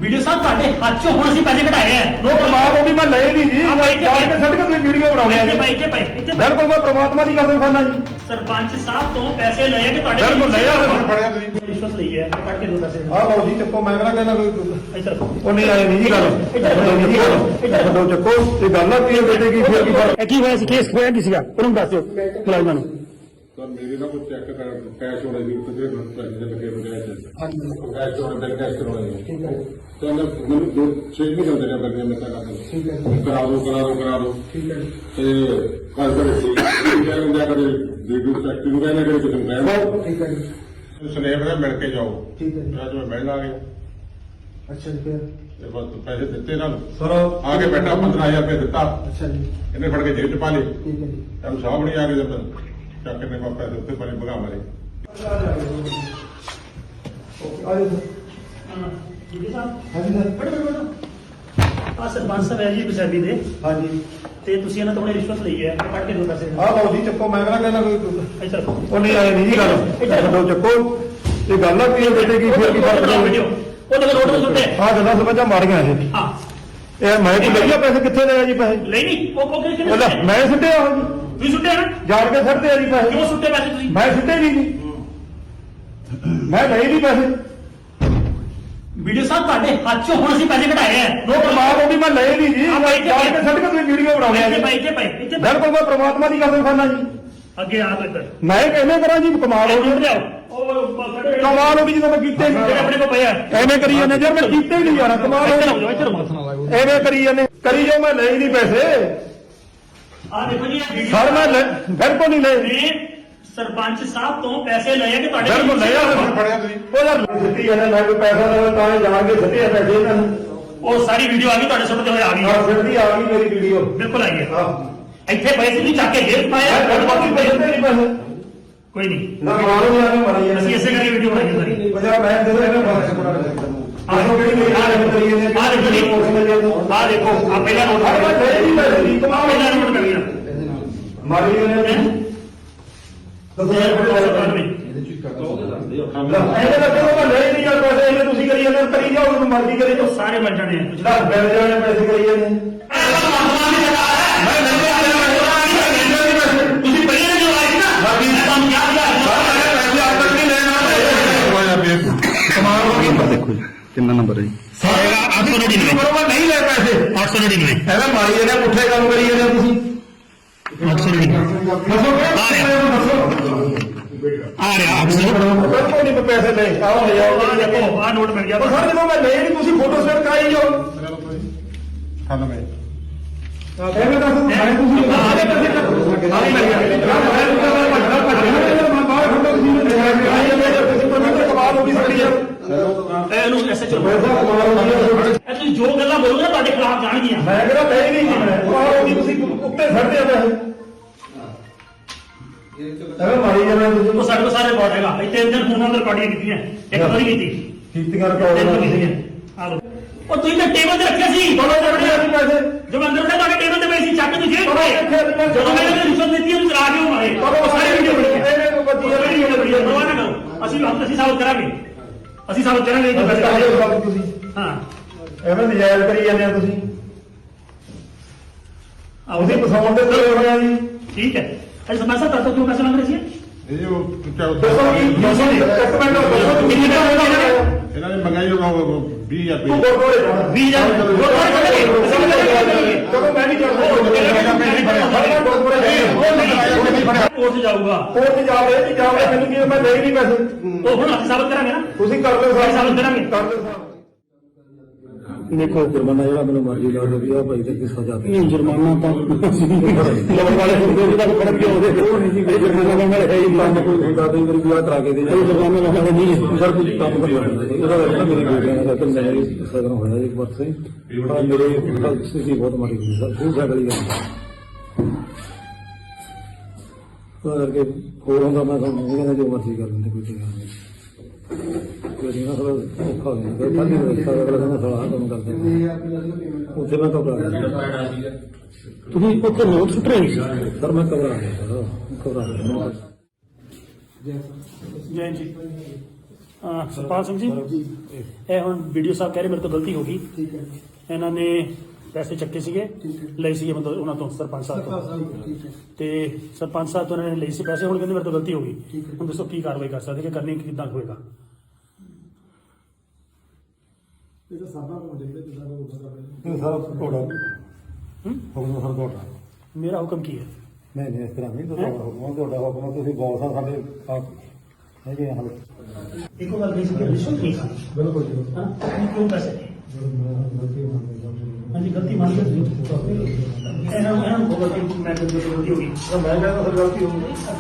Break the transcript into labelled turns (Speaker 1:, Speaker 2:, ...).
Speaker 1: Video ਸਾਹਿਬ ਤੁਹਾਡੇ ਹੱਥ ਚੋਂ ਹੁਣ ਅਸੀਂ ਪੈਸੇ ਕਢਾਏ ਆ।
Speaker 2: ਉਹ ਪ੍ਰਮਾਤਮਾ ਦੀ ਮੈਂ ਲਏ ਨਹੀਂ ਜੀ ਜਾਣ ਕੇ ਛੱਡ ਕੇ ਤੁਸੀਂ ਵੀਡੀਓ ਬਣਾਉਣੇ ਆ ਜੀ। ਬਿਲਕੁਲ ਮੈਂ ਪ੍ਰਮਾਤਮਾ ਦੀ ਕਸਮ ਖਾਨਾ ਜੀ।
Speaker 1: ਸਰਪੰਚ ਸਾਹਿਬ ਤੋਂ ਪੈਸੇ ਲਏ ਕਿ ਤੁਹਾਡੇ
Speaker 2: ਬਿਲਕੁਲ ਲਿਆ
Speaker 3: ਫੜਿਆ ਤੁਸੀਂ
Speaker 1: ਰਿਸ਼ਵਤ ਲਈ ਹੈ ਕੱਢ ਕੇ ਦੋ ਪੈਸੇ
Speaker 2: ਆਹ ਲਓ ਜੀ ਚੱਕੋ ਮੈਂ ਕਹਿੰਦਾ ਕੋਈ
Speaker 1: ਇੱਧਰ
Speaker 2: ਉਹ ਨਹੀਂ ਆਏ ਨਹੀਂ ਜੀ ਗੱਲ ਛੱਡੋ ਚੱਕੋ ਇਹ ਗੱਲ ਆ ਕੀ ਬੇਟੇ ਕੀ ਫਿਰ ਕੀ ਫਰਕ
Speaker 1: ਕੀ ਹੋਇਆ ਸੀ ਕੇਸ ਹੋਇਆ ਕੀ ਸੀਗਾ ਉਹਨੂੰ ਦੱਸ ਦਿਓ ਮੁਲਾਜ਼ਮਾਂ ਨੂੰ।
Speaker 3: ਤਾਂ ਮੇਰੇ ਨਾਲ ਕੋਈ ਚੈੱਕ ਕਰ ਕੈਸ਼ ਹੋਣਾ ਜੀ ਤੇ ਪੈਸੇ ਦੇ ਲੱਗੇ ਬਗੈਰ ਕੈਸ਼ ਹੋਣਾ ਬੈਂਕ ਕੈਸ਼ ਕਰਵਾਉਣਾ ਜੀ।
Speaker 2: ਠੀਕ ਹੈ
Speaker 3: ਤਾਂ ਮੈਨੂੰ ਦੋ ਚੇਕ ਨਹੀਂ ਕਰਦੇ ਨੇ ਬੰਦੇ ਮੈਂ ਤਾਂ
Speaker 2: ਠੀਕ ਹੈ
Speaker 3: ਕਰਾ ਦੋ
Speaker 2: ਠੀਕ ਹੈ
Speaker 3: ਤੇ ਕੱਲ ਕਰੇ ਸੀ ਇਹ ਹੁੰਦਾ ਕਦੇ ਵੀਡੀਓ ਚੈੱਕ ਨੂੰ ਕਹਿੰਦੇ ਕਦੇ ਕੁਝ ਕਹਿੰਦੇ
Speaker 2: ਠੀਕ ਹੈ ਜੀ
Speaker 3: ਸਨੇਹ ਦਾ ਮਿਲ ਕੇ ਜਾਓ।
Speaker 2: ਠੀਕ ਹੈ ਜੀ
Speaker 3: ਅੱਜ ਮੈਂ ਮਿਲਣ ਆ ਗਿਆ
Speaker 2: ਅੱਛਾ ਜੀ ਫਿਰ
Speaker 3: ਤੇ ਬਸ ਪੈਸੇ ਦਿੱਤੇ ਇਹਨਾਂ ਨੂੰ
Speaker 2: ਸਰ
Speaker 3: ਆ ਕੇ ਬੈਠਾ 15000 ਰੁਪਏ ਦਿੱਤਾ
Speaker 2: ਅੱਛਾ ਜੀ
Speaker 3: ਇਹਨੇ ਫੜ ਕੇ ਜੇਬ ਚ ਪਾ ਲਏ
Speaker 2: ਠੀਕ ਹੈ ਜੀ
Speaker 3: ਤਾਂ ਸਾਹਮਣੇ ਆ ਕੇ ਜਦ ਚੱਕ ਕੇ ਪਾਪਾ ਦੇ ਉੱਤੇ ਪਾਣੀ ਭਗਾ ਮਾਰੇ
Speaker 2: ਆਜੋ
Speaker 1: ਵੀਡੀਓ ਸਾਹਿਬ
Speaker 2: ਹਾਂਜੀ ਸਰ
Speaker 1: ਆ ਸਰਪੰਚ ਸਾਹਿਬ ਹੈ ਜੀ ਪੰਜਾਬੀ ਦੇ
Speaker 2: ਹਾਂਜੀ
Speaker 1: ਤੇ ਤੁਸੀਂ ਇਹਨਾਂ ਤੋਂ ਹੁਣੇ ਰਿਸ਼ਵਤ ਲਈ ਹੈ ਕੱਢ ਕੇ ਦੋ ਪੈਸੇ
Speaker 2: ਆਹ ਲਓ ਜੀ ਚੱਕੋ ਮੈਂ ਕਹਿੰਦਾ ਕੋਈ
Speaker 1: ਇੱਧਰ
Speaker 2: ਉਹ ਨਹੀਂ ਆਏ ਨਹੀਂ ਜੀ ਗੱਲ ਛੱਡੋ ਚੱਕੋ ਇਹ ਗੱਲ ਆ ਕੀ ਬੇਟੇ ਕੀ ਫਿਰ ਕੀ ਫਰਕ
Speaker 1: ਉਹ ਤਾਂ ਰੋਡ ਤੇ ਸੁੱਟੇ
Speaker 2: ਆਹ ਗੱਲਾਂ ਸਮਝਾਂ ਮਾਰੀਆਂ ਇਹ
Speaker 1: ਹਾਂ
Speaker 2: ਇਹ ਮੈਂ ਕੋਈ ਲਈਆ ਪੈਸੇ ਕਿੱਥੇ ਲਏ ਆ ਜੀ ਪੈਸੇ
Speaker 1: ਲਈ ਨਹੀਂ ਉਹ ਕਿਹਨੇ
Speaker 2: ਉਹਦਾ ਮੈਂ ਸੁੱਟਿਆ ਹੋ ਜੀ
Speaker 1: ਤੁਸੀਂ ਸੁੱਟੇ ਨਾ
Speaker 2: ਜਾਣ ਕੇ ਸੁੱਟਦੇ ਆ ਜੀ ਪੈਸੇ
Speaker 1: ਕਿਉਂ ਸੁੱਟੇ ਪੈਸੇ ਤੁਸੀਂ
Speaker 2: ਮੈਂ ਸੁੱਟੇ ਨਹੀਂ ਜੀ ਮੈਂ ਲਏ ਨਹੀਂ ਪੈਸੇ
Speaker 1: ਵੀਡੀਓ ਸਾਹਿਬ ਤੁਹਾਡੇ ਹੱਥ ਚੋਂ ਹੁਣ ਅਸੀਂ ਪੈਸੇ ਕਢਾਏ ਆ।
Speaker 2: ਉਹ ਪ੍ਰਮਾਤਮਾ ਦੀ ਮੈਂ ਲਏ ਨਹੀਂ ਜੀ ਜਾਣ ਕੇ ਛੱਡ ਕੇ ਤੁਸੀਂ ਵੀਡੀਓ ਬਣਾਉਣੇ ਆ ਜੀ। ਬਿਲਕੁਲ ਮੈਂ ਪ੍ਰਮਾਤਮਾ ਦੀ ਕਸਮ ਖਾਨਾ ਜੀ।
Speaker 1: ਅੱਗੇ ਆ ਇੱਧਰ
Speaker 2: ਮੈਂ ਕਿਵੇਂ ਕਰਾਂ ਜੀ ਕਮਾਲ ਹੋ ਗਈ ਕਮਾਲ ਹੋ ਗਈ ਜਦੋਂ ਮੈਂ ਕੀਤੇ ਨਹੀਂ
Speaker 1: ਆਪਣੇ ਕੋਲ ਪਿਆ
Speaker 2: ਐਵੇਂ ਕਰੀ ਜਾਂਦੇ ਯਾਰ ਮੈਂ ਕੀਤੇ ਹੀ ਨਹੀਂ ਯਾਰ ਕਮਾਲ ਹੋ ਗਈ ਐਵੇਂ ਕਰੀ ਜਾਂਦੇ ਕਰੀ ਜੋ ਮੈਂ ਲਏ ਨਹੀਂ ਪੈਸੇ
Speaker 1: ਆ ਦੇਖੋ ਜੀ ਇਹ
Speaker 2: ਸਰ ਮੈਂ ਬਿਲਕੁਲ ਨਹੀਂ ਲਏ
Speaker 1: ਨੇ ਸਰਪੰਚ ਸਾਹਿਬ ਤੋਂ ਪੈਸੇ ਲਏ ਕਿ ਤੁਹਾਡੇ
Speaker 2: ਬਿਲਕੁਲ ਲਿਆ
Speaker 3: ਫੜਿਆ ਤੁਸੀਂ
Speaker 2: ਉਹ ਯਾਰ ਸਿੱਧੀ ਜਾਂਦੇ ਮੈਂ ਕੋਈ ਪੈਸਾ ਦੇਵਾਂ ਤਾਂ ਇਹ ਜਾਣ ਕੇ ਸਿੱਧੇ ਪੈਸੇ ਇਹਨਾਂ ਨੂੰ
Speaker 1: ਉਹ ਸਾਰੀ ਵੀਡੀਓ ਆ ਗਈ ਤੁਹਾਡੇ ਸੁਣਦੇ ਹੋਏ ਆ ਗਈ
Speaker 2: ਹਾਂ ਸਿੱਧੀ ਆ ਗਈ ਮੇਰੀ ਵੀਡੀਓ
Speaker 1: ਬਿਲਕੁਲ ਆਈ ਹੈ
Speaker 2: ਹਾਂ
Speaker 1: ਇੱਥੇ ਪੈਸੇ ਨਹੀਂ ਚੱਕ ਕੇ ਜੇਬ ਪਾਇਆ
Speaker 2: ਬਿਲਕੁਲ ਪੈਸੇ ਨਹੀਂ ਪੈਸੇ
Speaker 1: ਕੋਈ ਨਹੀਂ
Speaker 2: ਨਾ ਮਾਰੋ ਨਹੀਂ ਆਵੇਂ ਮਾਰੀ ਜਾਂਦੇ
Speaker 1: ਅਸੀਂ ਇਸੇ ਕਰਕੇ ਵੀਡੀਓ ਬਣਾਈ ਸਾਰੀ
Speaker 2: ਪੰਜਾਬ ਮੈਂ ਦੇ ਦੋ ਇਹਨਾਂ ਆਹੋ ਕਿਹੜੀ ਮੇਰੀ ਹਾਲਤ ਕਰੀ ਜਾਂਦੇ
Speaker 1: ਆ ਦੇਖੋ ਜੀ ਆ ਦੇਖੋ ਆ ਪਹਿਲਾ ਨੋਟ
Speaker 2: ਮੈਂ ਲਏ ਨਹੀਂ ਪੈਸੇ ਦੀ ਕਮਾਲ
Speaker 1: ਪਹਿਲਾ ਨੋਟ ਕਰ ਲਿਆ
Speaker 2: ਮਾਰੀ ਜਾਂਦੇ ਇਹਦੇ ਲੱਗੇ ਉਹ ਲੈ ਨਹੀਂ ਯਾਰ ਪੈਸੇ ਇਹਨੇ ਤੁਸੀਂ ਕਰੀ ਜਾਂਦੇ ਕਰੀ ਜਾਓ ਉਹਨੂੰ ਮਰਜ਼ੀ ਕਰੀ ਜਾਓ
Speaker 1: ਸਾਰੇ ਮਿਲ ਜਾਣੇ ਆ
Speaker 2: ਜਿਹੜਾ ਬਿਲ ਜਾਣੇ ਪੈਸੇ ਕਰੀ ਜਾਂਦੇ ਮੈਂ ਨਹੀਂ ਆ ਰਿਹਾ
Speaker 1: ਤੁਸੀਂ ਪਹਿਲੇ ਨੇ ਜੋ ਆਏ ਸੀ ਨਾ ਤੁਹਾਨੂੰ ਯਾਦ ਆ
Speaker 2: ਪੈਸੇ ਆਪ ਤੱਕ ਨਹੀਂ ਲੈਣਾ ਕਮਾਲ ਹੋ ਗਈ
Speaker 4: ਦੇਖੋ ਜੀ ਕਿੰਨਾ ਨੰਬਰ ਹੈ ਜੀ
Speaker 1: 899
Speaker 2: ਬਰੋਬਰ ਨਹੀਂ ਲੈ ਪੈਸੇ
Speaker 1: 899
Speaker 2: ਐਵੇਂ ਮਾਰੀ ਜਾਂਦੇ ਪੁੱਠੇ ਕੰਮ ਕਰੀ ਜਾਂਦੇ ਤੁਸੀਂ
Speaker 1: 899
Speaker 2: ਦੱਸੋ
Speaker 1: ਆ ਰਿਹਾ
Speaker 2: ਬਿਲਕੁਲ ਨਹੀਂ ਪੈਸੇ ਲੈ ਆਓ ਲੈ
Speaker 1: ਆ ਦੇਖੋ ਆ ਨੋਟ ਮਿਲ ਗਿਆ
Speaker 2: ਉਹ ਸਰ ਜਦੋਂ ਮੈਂ ਲਏ ਨਹੀਂ ਤੁਸੀਂ ਫੋਟੋ ਸਟੇਟ ਕਰਾਈ ਜਾਓ
Speaker 3: ਖਾਣਾ ਮੈਂ
Speaker 2: ਐਵੇਂ ਦੱਸੋ ਮੈਂ ਤੁਸੀਂ ਆਹ ਦੇ ਪੈਸੇ ਆ ਹੀ ਮਿਲ ਗਿਆ ਮੈਂ ਬਾਹਰ ਖੜਾ ਤੁਸੀਂ ਕਮਾਲ ਹੋ ਗਈ ਸਾਡੀ ਯਾਰ
Speaker 1: ਇਹਨੂੰ ਐਸਐਚਓ
Speaker 2: ਪੈਸਾ ਕਮਾਲ ਹੋ ਗਈ
Speaker 1: ਇਹ ਤੁਸੀਂ ਜੋ ਗੱਲਾਂ ਬੋਲੋਗੇ ਨਾ ਤੁਹਾਡੇ ਖਿਲਾਫ ਜਾਣਗੀਆਂ
Speaker 2: ਮੈਂ ਕਿਹੜਾ ਲੈ ਨਹੀਂ ਜੀ ਮੈਂ ਕਮਾਲ ਹੋ ਗਈ ਤੁਸੀਂ ਉੱਤੇ ਛੱਡਦੇ ਆ ਪੈਸੇ ਐਵੇਂ ਮਾਰੀ ਜਾਂਦੇ ਤੁਸੀਂ
Speaker 1: ਉਹ ਸਾਡੇ ਕੋਲ ਸਾਰੇ ਰਿਕਾਰਡ ਹੈਗਾ ਇੱਥੇ ਇੰਦਰ ਫੋਨਾਂ ਤੇ ਰਿਕਾਰਡਿੰਗ ਕੀਤੀਆਂ ਇੱਕ ਵਾਰੀ ਕੀਤੀ
Speaker 2: ਕੀਤੀਆਂ
Speaker 1: ਤਿੰਨ
Speaker 2: ਰਿਕਾਰਡ
Speaker 1: ਕੀਤੀਆਂ ਆ ਲੋ ਉਹ ਤੁਸੀਂ ਤਾਂ ਟੇਬਲ ਤੇ ਰੱਖਿਆ ਸੀ
Speaker 2: ਬੋਲੋ ਜੜਦੇ ਆ ਪੈਸੇ
Speaker 1: ਜੋ ਮੈਂ ਅੰਦਰ ਉਹਨੇ ਤੁਹਾਡੇ ਟੇਬਲ ਤੇ ਪਏ ਸੀ ਚੱਕ ਕੇ ਜੇਬ ਪਾਏ ਜਦੋਂ ਮੈਂ ਇਹਨੂੰ ਰਿਸ਼ਵਤ ਦਿੱਤੀ ਉਹਨੂੰ ਚਲਾ ਕੇ ਉਹ ਮਾਰੇ ਉਹ ਸਾਰੇ ਵੀਡੀਓ ਬਣੀ ਹੈ
Speaker 2: ਇਹਨੇ ਕੋਈ ਬੱਤੀ
Speaker 1: ਸਾਰੀ ਵੀਡੀਓ ਬਣੀ ਹੈ ਪਰਵਾਹ ਨਾ ਕਰੋ ਅਸੀਂ ਸਾਬਤ ਕਰਾਂਗੇ ਅਸੀਂ ਸਾਬਤ ਕਰਾਂਗੇ ਜੋ ਪੈਸੇ
Speaker 2: ਤੁਸੀਂ
Speaker 1: ਹਾਂ
Speaker 2: ਐਵੇਂ ਨਜਾਇਜ਼ ਕਰੀ ਜਾਂਦੇ ਆ ਤੁਸੀਂ
Speaker 1: ਆਉਦੇ
Speaker 2: ਫਸਾਉਣ ਦੇ ਤੇ ਹੋਏ ਆ ਜੀ
Speaker 1: ਠੀਕ ਹੈ ਅੱਜ ਸਮਝਾ ਤਾਂ ਕਿਉਂ ਪੈਸੇ ਮੰਗ ਰਹੇ ਸੀ
Speaker 3: ਇਹ ਜੋ
Speaker 2: ਦੱਸੋ ਜੀ ਦੱਸੋ ਜੀ ਇੱਕ ਮਿੰਟ ਦੱਸੋ ਕਿੰਨੇ ਦਾ ਹੋਏਗਾ
Speaker 3: ਇਹਨਾਂ ਨੇ ਮੰਗਾਈ ਜੋ 20000
Speaker 2: ਤੂੰ
Speaker 3: ਰੁਪਏ
Speaker 2: ਗੁਰਦੁਆਰੇ ਜਾਣਾ
Speaker 1: 20000
Speaker 2: ਚਲੋ ਮੈਂ ਨਹੀਂ ਜਾਂਦਾ
Speaker 1: ਕੋਰਟ ਜਾਊਗਾ
Speaker 2: ਕੋਰਟ ਜਾ ਰਹੇ ਮੈਨੂੰ ਕੀ ਮੈਂ ਲੈ ਨਹੀਂ ਪੈਸੇ
Speaker 1: ਉਹ ਹੁਣ ਅਸੀਂ ਸਾਬਤ ਕਰਾਂਗੇ ਨਾ
Speaker 2: ਤੁਸੀਂ ਕਰ ਲਓ
Speaker 1: ਅਸੀਂ ਸਾਬਤ ਕਰਾਂਗੇ
Speaker 2: ਕਰ ਲਓ ਸਾਹਿਬ
Speaker 4: ਦੇਖੋ ਜੁਰਮਾਨਾ ਜਿਹੜਾ ਮੈਨੂੰ ਮਰਜ਼ੀ ਲਾ ਦੇ ਵੀ ਆ ਭਾਈ ਤੇ ਕੀ ਸਜ਼ਾ ਦੇ
Speaker 2: ਜੁਰਮਾਨਾ ਤਾਂ
Speaker 4: ਲੋਕ ਵਾਲੇ ਹੁੰਦੇ ਦਾ ਫਰਕ ਕਿਉਂ ਉਹਦੇ ਉਹ ਨਹੀਂ ਜੀ ਜੁਰਮਾਨਾ ਵਾਲੇ ਹੈ ਹੀ ਨਹੀਂ ਕੋਈ ਹੁੰਦਾ ਕਈ ਵਾਰੀ ਵਿਆਹ ਕਰਾ ਕੇ ਦੇ ਕੋਈ ਜੁਰਮਾਨਾ ਵਾਲੇ ਨਹੀਂ ਸਰ ਕੁਝ ਕੰਮ ਕਰ ਲੈਂਦਾ ਇਹਦਾ ਵੈਸੇ ਮੇਰੀ ਬੇਟੀਆਂ ਦਾ ਤਾਂ ਮੇਰੇ ਸਗਨ ਹੋਇਆ ਇੱਕ ਵਾਰ ਸੇ ਮੇਰੇ ਸਥਿਤੀ ਬਹੁਤ ਮਾੜੀ ਹੋਈ ਸਰ ਬਹੁਤ ਜ਼ਿਆਦਾ ਹੀ ਕਰਕੇ ਹੋਰ ਹੁੰਦਾ ਮੈਂ ਤੁਹਾਨੂੰ ਕਹਿੰਦਾ ਜੋ ਮਰਜ਼ੀ ਕਰ ਲੈਂਦੇ ਕੋਈ ਗੱਲ ਨਹੀਂ ਕੋਈ ਨਾ ਥੋੜਾ ਔਖਾ ਹੋ ਜਾਂਦਾ ਖਾਲੀ ਰਸਤਾ ਅਗਲਾ ਕਹਿੰਦਾ ਸਾਲਾ ਕੰਮ ਕਰਦੇ ਉੱਥੇ ਮੈਂ ਘਬਰਾ ਗਿਆ
Speaker 1: ਤੁਸੀਂ ਉੱਥੇ ਨੋਟ ਸੁੱਟ ਰਹੇ ਸੀ
Speaker 4: ਸਰ ਮੈਂ ਘਬਰਾ ਗਿਆ ਸਰ ਘਬਰਾ ਗਿਆ
Speaker 1: ਜੈ ਜੀ ਸੁਖਪਾਲ ਸਿੰਘ ਜੀ ਇਹ ਹੁਣ ਵੀਡੀਓ ਸਾਹਿਬ ਕਹਿ ਰਹੇ ਮੇਰੇ ਤੋਂ ਗਲਤੀ ਹੋ ਗਈ।
Speaker 2: ਠੀਕ ਹੈ
Speaker 1: ਇਹਨਾਂ ਨੇ ਪੈਸੇ ਚੱਕੇ ਸੀਗੇ, ਲਏ ਸੀਗੇ ਮਤਲਬ ਉਹਨਾਂ ਤੋਂ ਸਰਪੰਚ ਸਾਹਿਬ ਤੋਂ,
Speaker 2: ਠੀਕ ਹੈ
Speaker 1: ਤੇ ਸਰਪੰਚ ਸਾਹਿਬ ਤੋਂ ਇਹਨਾਂ ਨੇ ਲਈ ਸੀ ਪੈਸੇ। ਹੁਣ ਕਹਿੰਦੇ ਮੇਰੇ ਤੋਂ ਗਲਤੀ ਹੋ ਗਈ,
Speaker 2: ਠੀਕ ਹੈ।
Speaker 1: ਹੁਣ ਦੱਸੋ ਕੀ ਕਾਰਵਾਈ ਕਰ ਸਕਦੇ ਕਿ ਕਰਨੀ ਕਿੱਦਾਂ ਹੋਏਗਾ?
Speaker 2: ਇਹ ਤਾਂ ਸਾਡਾ ਕੰਮ ਦੇਖਦੇ ਜਿੱਦਾਂ ਦਾ ਹੁੰਦਾ
Speaker 4: ਇਹ ਸਾਰਾ ਤੁਹਾਡਾ
Speaker 1: ਹੂੰ?
Speaker 4: ਹੁਕਮ ਸਾਰਾ ਤੁਹਾਡਾ
Speaker 1: ਮੇਰਾ ਹੁਕਮ ਕੀ ਹੈ?
Speaker 4: ਨਹੀਂ ਇਸ ਤਰ੍ਹਾਂ ਨਹੀਂ ਤੁਹਾਡਾ ਹੁਕਮ ਤੁਸੀਂ ਬੌਸ ਆ ਸਾਡੇ ਆਪ ਹੈਗੇ ਹਾਲ
Speaker 1: ਇੱਕੋ ਗੱਲ ਕਹੀ ਸੀ ਕਿ ਰਿਸ਼ਵਤ ਨਹੀਂ ਖਾਣੀ।
Speaker 2: ਬਿਲਕੁਲ ਜੀ
Speaker 1: ਹਾਂ ਕਿਉਂ ਪੈਸੇ ਲਏ? ਹਾਂਜੀ ਗਲਤੀ ਮੰਨ ਲਈ ਇਹਨਾਂ ਨੂੰ ਬੋਲੋ ਕਿ ਮੈਂ ਗਲਤੀ ਹੋ ਗਈ।
Speaker 2: ਮੈਂ ਕਹਿੰਦਾ ਸਰ ਗਲਤੀ ਹੋ ਗਈ